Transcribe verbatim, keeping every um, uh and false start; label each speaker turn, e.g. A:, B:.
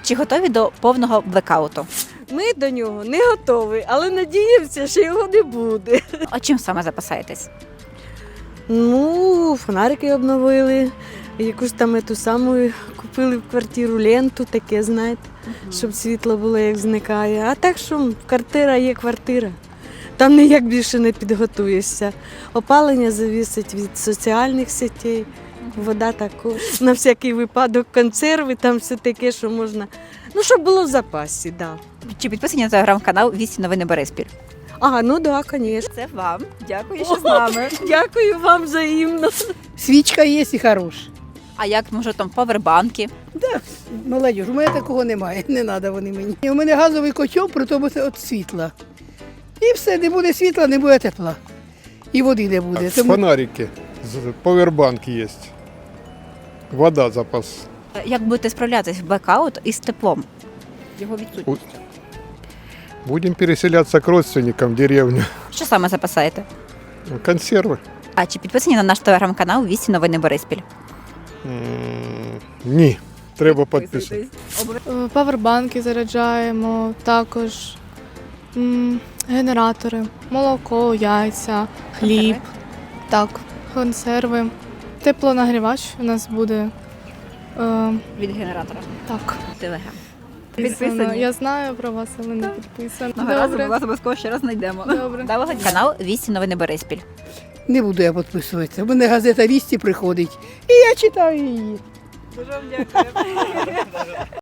A: Чи готові до повного блекауту?
B: Ми до нього не готові, але надіємося, що його не буде.
A: А чим саме запасаєтесь?
B: Ну, фонарики обновили, якусь там ту саму купили в квартиру ленту, таке, знаєте, щоб світло було, як зникає. А так що квартира є квартира. Там ніяк більше не підготуєшся. Опалення зависить від соціальних сетей, вода також. На всякий випадок консерви, там все таке, що можна. Ну, щоб було в запасі, так. Да.
A: Чи підписані на телеграм-канал «Вісті новини Бориспіль»?
B: А, ну так, да, звісно.
A: Це вам. Дякую, що з нами.
B: Дякую вам взаємно.
C: Свічка є і хороша.
A: А як, може, там павербанки?
C: Да, молодіж, у мене такого немає, не треба вони мені. У мене газовий котел, при тому це від світла. І все, не буде світла, не буде тепла. І води не буде. Тому
D: Фонарики, з- повербанк есть. Вода запас.
A: Як будете справлятися в блекаут із теплом? Його відсутність.
D: Будем переселяться к родственникам в деревню.
A: Що саме запасаєте?
D: Консервы?
A: А чи підписані на наш телеграм-канал «Вісті новини Бориспіль»?
D: М, Ні, треба підписати.
E: Е, Павербанки заряджаємо, також м, генератори, молоко, яйця, хліб, так, консерви. Теплонагрівач у нас буде. Е,
A: Від генератора.
E: так.
A: Телеграм.
E: Підписано. Я знаю про вас, але не підписано.
A: Одного разу ми
E: Добре.
A: вас обов'язково ще раз знайдемо.
E: Добре.
A: Доброго дня. Канал «Вісті новини Бориспіль».
C: не буду я підписуватися. У мене газета «Вісті» приходить. І я читаю її.
A: Дуже вам дякую.